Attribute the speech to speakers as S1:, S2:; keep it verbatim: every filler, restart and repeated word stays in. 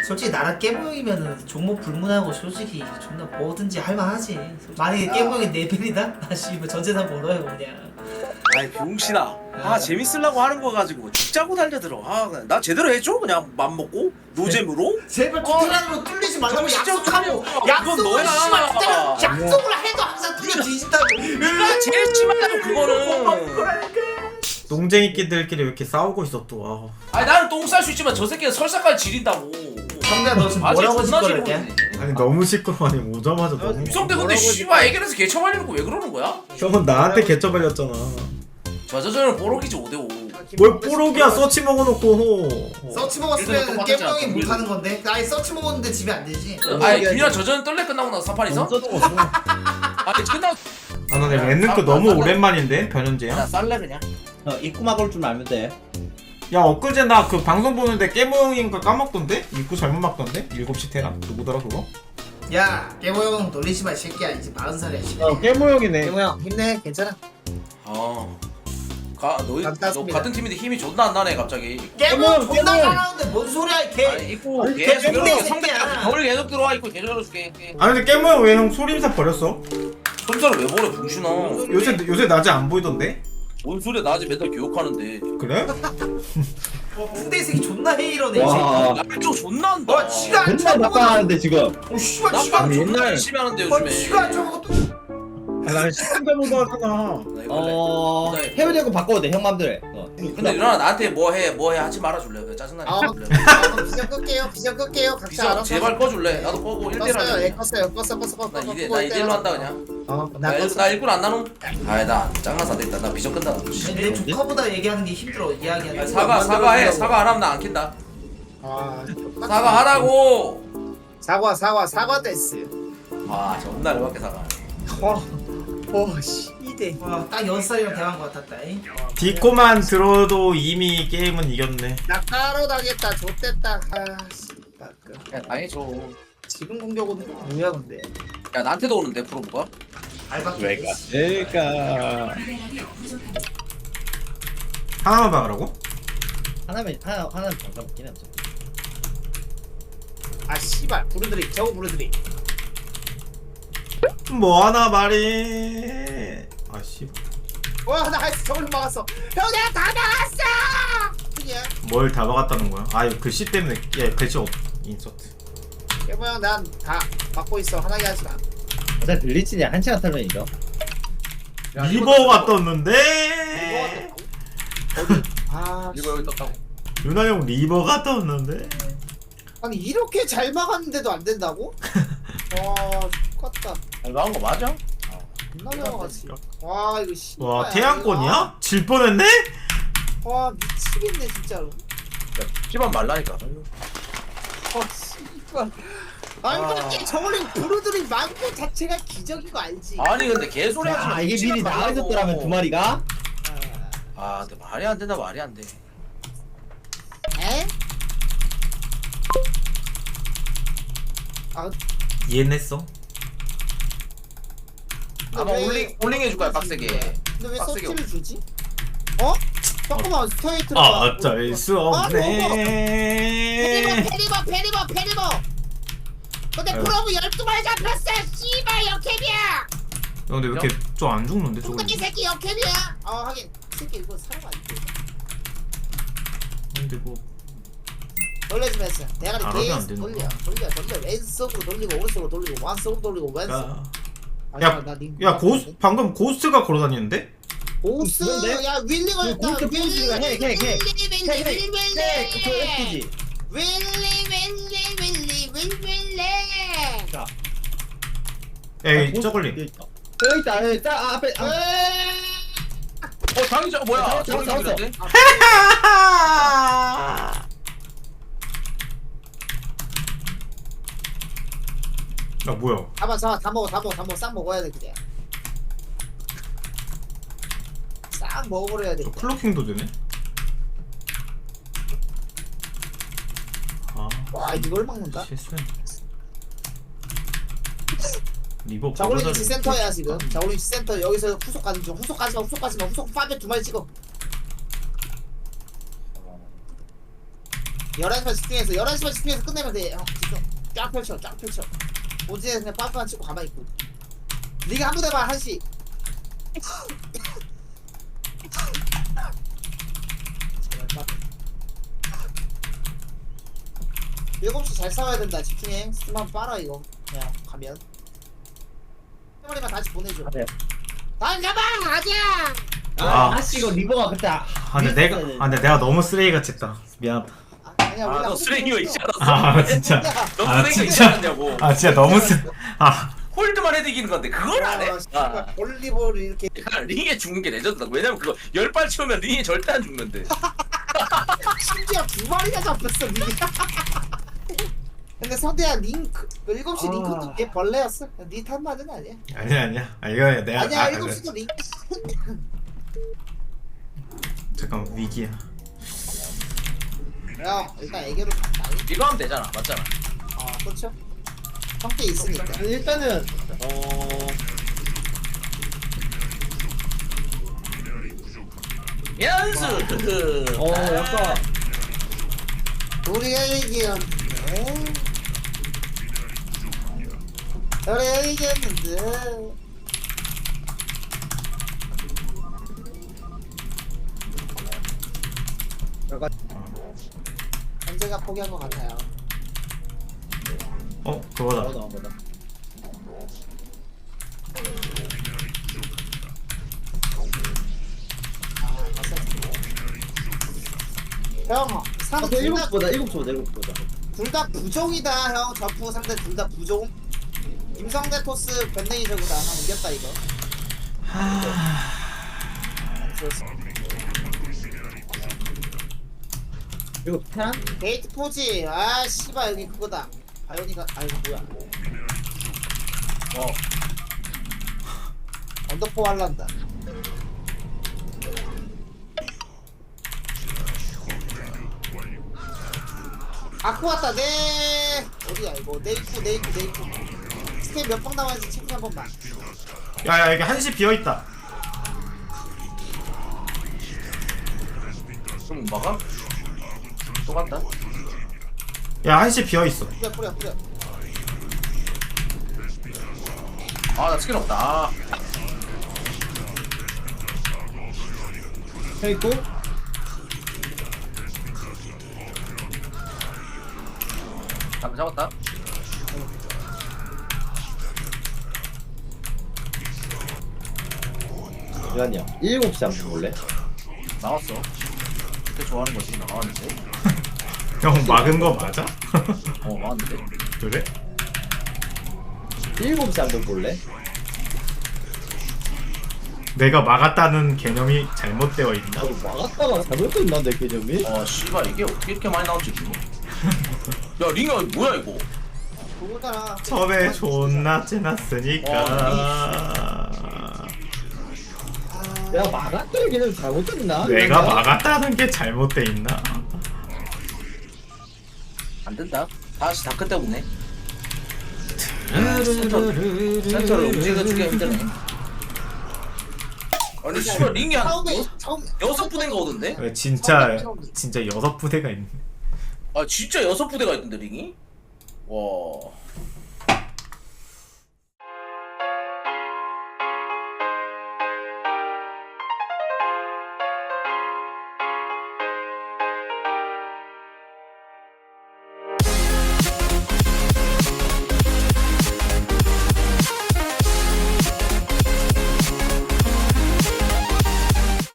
S1: 솔직히 나랑 깨보이면은 종목 불문하고 솔직히 존나 뭐든지 할만하지. 만약에 깨보이 네 벨이다? 나 씨발 전재산 벌어요 그냥.
S2: 아이 병신아. 아 재밌으려고 하는 거 가지고 죽자고 달려들어. 아 그냥 나 제대로 해줘 그냥 맘 먹고 노잼으로.
S1: 제발 투트란으로 뚫리지 말라고
S2: 진짜
S1: 약속하고
S2: 뚫려.
S1: 약속을
S2: 그건
S1: 씨발
S2: 너야.
S1: 투트란 약속을 해도 항상 뚫려 뒤진다고.
S2: 네가 제일 심하다고 그거는.
S3: 농쟁이끼들끼리 왜 이렇게 싸우고 있어 또. 아.
S2: 아니 나는 똥 쌀 수 있지만 저 새끼는 설사까지 지린다고.
S1: 성대야 너 지금 뭐라고 짓거렸냐?
S3: 아니 너무 시끄러워. 아니 오자마자 너무.
S2: 육성대 근데 씨발 애견에서 개처발리는 거 왜 그러는 거야?
S3: 형은 나한테 개처 발렸잖아.
S2: 저저저는 보록이지 오 대 오.
S3: 뭘 뽀록이야 서치 먹어놓고.
S1: 서치
S2: 일단은
S1: 먹었으면
S2: 똑같았지
S1: 깨보이
S2: 않아?
S1: 못하는 건데. 아니 서치 먹었는데 집에 안 되지.
S2: 아니 그냥 저저는 떨레 끝나고 나서 삼 판이서? 아니 끝나고
S3: 아 나 랜능크 너무 오랜만인데 변현재야.
S2: 나 쌀래 그냥.
S4: 어, 입구 막을 줄 알면 돼.
S3: 야 엊그제 나 그 방송 보는데 깨모형인가 까먹던데? 입구 잘못 막던데? 일곱 시 테라? 누구더라 그거?
S1: 야 깨보이 형 놀리지 마 이 새끼야. 이제 마흔 살이야 이 새끼야.
S4: 어, 깨모형이네.
S1: 깨보이 형 힘내 괜찮아.
S2: 어. 가 너희 너
S1: 감사합니다.
S2: 같은 팀인데 힘이 존나 안 나네 갑자기.
S1: 깨보이 형 존나
S4: 깨보이.
S1: 잘하는데 뭔 소리야 이 개.
S2: 아니 입고
S4: 아니,
S2: 계속
S1: 깨보이
S2: 이렇게
S1: 새끼야.
S2: 성대 겨울 계속 들어와 있고 계속 열어줄게.
S3: 아 근데 깨모형 왜 형 소림사 버렸어?
S2: 손자를 왜 버려 병신아.
S3: 요새 요새 낮에 안 보이던데?
S2: 뭔 소리야 나 아직 맨날 교육하는데.
S3: 그래?
S1: 어, 풍대 새끼 존나 헤이러네 이 새끼.
S4: 와,
S2: 나좀 존나 한다.
S1: 와 지가 안
S4: 맨날 나빠하는데 지금.
S1: 어 씨발
S2: 나
S1: 지가 안
S2: 존나
S4: 옛날-
S2: 열심히 하는데
S1: 아
S2: 요즘에.
S1: 지가 안 저거 또.
S3: 아, 난 시간대보다 하잖아.
S2: 나 이거 할래.
S4: 어,
S2: 네.
S4: 해외대고 바꿔도 돼, 형 맘대로. 어.
S2: 근데 누나 나한테 뭐해 뭐해 하지 말아줄래? 왜 짜증나게
S1: 아,
S2: 해줄래?
S1: 아, 비전 끌게요. 비전 끌게요. 각자
S2: 비전
S1: 알아서.
S2: 제발 꺼줄래? 나도 꺼고 일 대 일
S1: 껐어요. 예,
S2: 하자.
S1: 껐어요. 껐어, 껐어, 껐어.
S2: 나 이대 나 이대 일로 한다 그냥.
S1: 어,
S2: 나
S1: 나
S2: 일-
S1: 껐어.
S2: 나 일꾼 안 나눔? 아이 나 짱나서 안 되겠다. 나 비전 끈다.
S1: 아니, 내 조카보다 얘기하는 게 힘들어. 이야기하는 게.
S2: 사과 사과해. 사과 안 하면 나 안 킨다.
S1: 아,
S2: 사과하라고.
S1: 사과, 사과, 사과 데스.
S2: 와 존나 열받게 사과.
S1: 어, 어, 씨, 이대. 와, 딱 여섯 살이랑 대화한 것 같았다. 잉?
S3: 디코만 들어도 이미 게임은 이겼네.
S1: 나 까로 당했다. 좆됐다. 아, 씨, 그
S2: 야 당해줘.
S1: 지금 공격 오는 거 뭐야 근데?
S2: 야 나한테도 오는데 프로브가?
S1: 알바.
S4: 왜가? 그러니까
S3: 하나만 박으라고?
S4: 하나면 하나 하나는 방사 먹긴 해. 어차피.
S1: 아, 씨발. 부르들이. 겨우 부르들이.
S3: 뭐 하나 말해. 아 씨.
S1: 와, 나 할수 저걸 막았어. 형, 내가 다 막았어. 그냥.
S3: 뭘 다 박았다는 거야? 아 이거 글씨 때문에. 야 글씨 없. 인서트.
S1: 여보 형, 난 다 막고 있어. 화나게 하지 마.
S4: 어차피 블리츠냐 한 시간 타면 이겨.
S3: 리버가 떴는데.
S1: 어디? 아,
S2: 이거 여기 떴다고.
S3: 유나 형 리버가 떴는데.
S1: 아니 이렇게 잘 막았는데도 안 된다고? 와, 똑같다.
S2: 잘 나온 거 맞아?
S1: 존나 막았지. 와, 이거 씨.
S3: 와 태양권이야? 질 뻔했네?
S1: 와, 미치겠네 진짜로.
S2: 야 피만 말라니까.
S1: 와, 씨발. 아니
S2: 아.
S1: 그렇게 저걸링 부르들이 많고 자체가 기적인 거 알지?
S2: 아니 근데 개소리 하지 마.
S4: 아 이게 미리 나와 있었더라면 두 마리가.
S2: 아 근데 말이 안 된다 말이 안 돼.
S1: 에? 아,
S3: 이해했어?
S2: 아마
S1: 왜-
S2: 올링 올링 해줄 거야 빡세게.
S1: 근데 왜
S2: 빡세게
S1: 서치를 주지? 어? 잠깐만 스트레이트로.
S3: 아 어쩔 수
S1: 페리버
S3: 없네.
S1: 페리버 페리버 페리버. 근데
S3: 아유.
S1: 프로브 열두 발 잡혔어. 씨발 역캡이야.
S3: 야, 근데 왜 이렇게 좀 안 죽는데 저거?
S1: 뚱땡이 새끼 역캡이야. 아 하긴 이 새끼 이거 사람 아니지.
S3: 근데 뭐
S1: 돌려주면서 대가리
S3: 잘하면 안
S1: 계속
S3: 되는
S1: 돌려
S3: 거야.
S1: 돌려 돌려 왼쪽으로 돌리고 오른쪽으로 돌리고 완쪽으로 돌리고 왼쪽.
S3: 야,
S1: 아니,
S3: 야,
S1: 나 링-
S3: 야 고스 방금 고스트가 걸어다니는데?
S1: 고스
S4: 그런데?
S1: 야 윌링을
S4: 그
S1: 했다.
S4: 고스 포즈가 해, 해, 해.
S1: 윌리 윌리
S4: 해, 해.
S1: 윌리
S4: 네, 그거 예쁘지.
S1: 윌리 윌리 윌리 윌리 윌리.
S4: 자,
S3: 에이 저걸링.
S4: 여기 있다. 여기 있다. 여기 있다. 아, 앞에. 아,
S2: 어 장이자 뭐야?
S4: 잡았어,
S2: 저기
S4: 잡았어.
S2: 있는데?
S3: 야 뭐야?
S1: 잡아 잡아 다 먹어 다 먹어 다 먹어 싹 먹어야 돼 그냥. 싹 먹어버려야 돼.
S3: 저 클로킹도 되네? 아
S1: 와 이걸 막는다?
S3: 실수했네. 리버
S1: 자골링
S3: 버려다-
S1: 치 센터야 지금. 자골링 치 센터 여기서 후속 가는 중. 후속 가지마 후속 가지마 후속 파베 두 마리 찍어.
S5: 열한 시만 집중해서 열한 시만 집중해서 끝내면 돼. 형 집중. 쫙 펼쳐 쫙 펼쳐. 오지에 그냥 빠꾸만 치고 가만히 있고. 네가 한 번 해봐 한 시. 일곱 시 잘 싸워야 된다. 집중해. 스팀 한번 빨아 이거. 그냥 가면. 세 마리만 다시 보내줘.
S4: 네.
S5: 다시 잡아 가자.
S4: 아,
S3: 아.
S4: 아씨 이거 리버가 그때 아,
S3: 아 근데 내가 아 근데 내가 너무 쓰레기같이 했다. 미안하다.
S5: 아, 아니야 우리가
S2: 아너
S5: 한
S2: 쓰레기가
S5: 번
S2: 있지
S5: 했어.
S2: 않았어?
S3: 아 진짜.
S2: 너
S3: 아
S2: 쓰레기가 있지
S3: 진짜.
S2: 않았냐고.
S3: 아 진짜 너무 쓰. 아
S2: 홀드만 해도 이기는 건데 그걸 안 해?
S5: 아, 씨발, 볼리볼 이렇게
S2: 야, 링에 죽는 게 레전드다. 왜냐면 그거 열 발 치우면 링에 절대 안 죽는데.
S5: 심지어 두 마리가 잡혔어 링. 근데 성대야 링크 일곱 시
S4: 아.
S5: 링크도 걔 벌레였어. 니 탓만은 아니야.
S3: 아니야 아니야. 아 이거 내가
S5: 아니야
S3: 아,
S5: 일곱 시도 링.
S3: 잠깐 위기야.
S5: 야 일단 애교로 갔다.
S2: 이거 하면 되잖아. 맞잖아.
S5: 아 그렇죠. 성대 있으니까.
S4: 일단은 어
S2: 연수.
S4: 어 약간
S5: 우리가 이겼는데. 우리가 이겼는데.
S4: 약간
S5: 현재가 포기한 것 같아요.
S3: 어 그거다.
S4: 나오다 나오다.
S5: 아 봤어. 형, 상
S4: 아,
S5: 둘
S4: 일곱
S5: 다
S4: 보다 일곱 보다 일곱 보다.
S5: 둘 다 부종이다 형. 전부 상대 둘 다 부종. 김성대 토스 변댕이 저구다. 형 이겼다 이거. 좋았어.
S4: 이거 테란?
S5: 게이트 포지. 아 씨발 여기 그거다. 바이오니가 아 이거 뭐야?
S2: 어.
S5: 언더포 할란다. 아쿠 왔다. 네. 어디야 이거? 내 입구 내 입구 내 입구. 스텝 몇 방 남았는지 체크 한 번만.
S3: 야야 여기 한시 비어 있다.
S2: 좀 막아? 또 간다.
S3: 야 한시 비어 있어.
S5: 뿌려 뿌려 뿌려.
S2: 아 나 스킬 없다. 아.
S4: 형 있고
S2: 잡 잡았다.
S4: 잠깐요. 일곱 시 한번 볼래?
S2: 나왔어. 그때 좋아하는 거지. 나왔는데.
S3: 형 막은 거 맞아?
S2: 어 나왔는데.
S3: 그래?
S4: 일곱 시 한번 볼래?
S3: 내가 막았다는 개념이 잘못되어 있나?
S4: 나도 막았다가 잘못됐나 내 개념이?
S2: 아 씨발 이게 어떻게 이렇게 많이 나올지 지금. 야 링아 뭐야 이거?
S5: 그거잖아.
S3: 처음에 존나 째놨으니까
S4: 내가 막았다는 개념이 잘못됐나?
S3: 내가 막았다는 게 잘못돼 있나?
S2: 안 된다. 다시 다크 때문에. 센터 센터를 움직여주기가 힘드네. 아니 씨발 링이 한
S5: 처음에
S2: 여-
S5: 처음
S2: 여섯 부대가 오던데?
S3: 왜 진짜 진짜 여섯 부대가 있네.
S2: 아 진짜 여섯 부대가 있던데 링이? 와.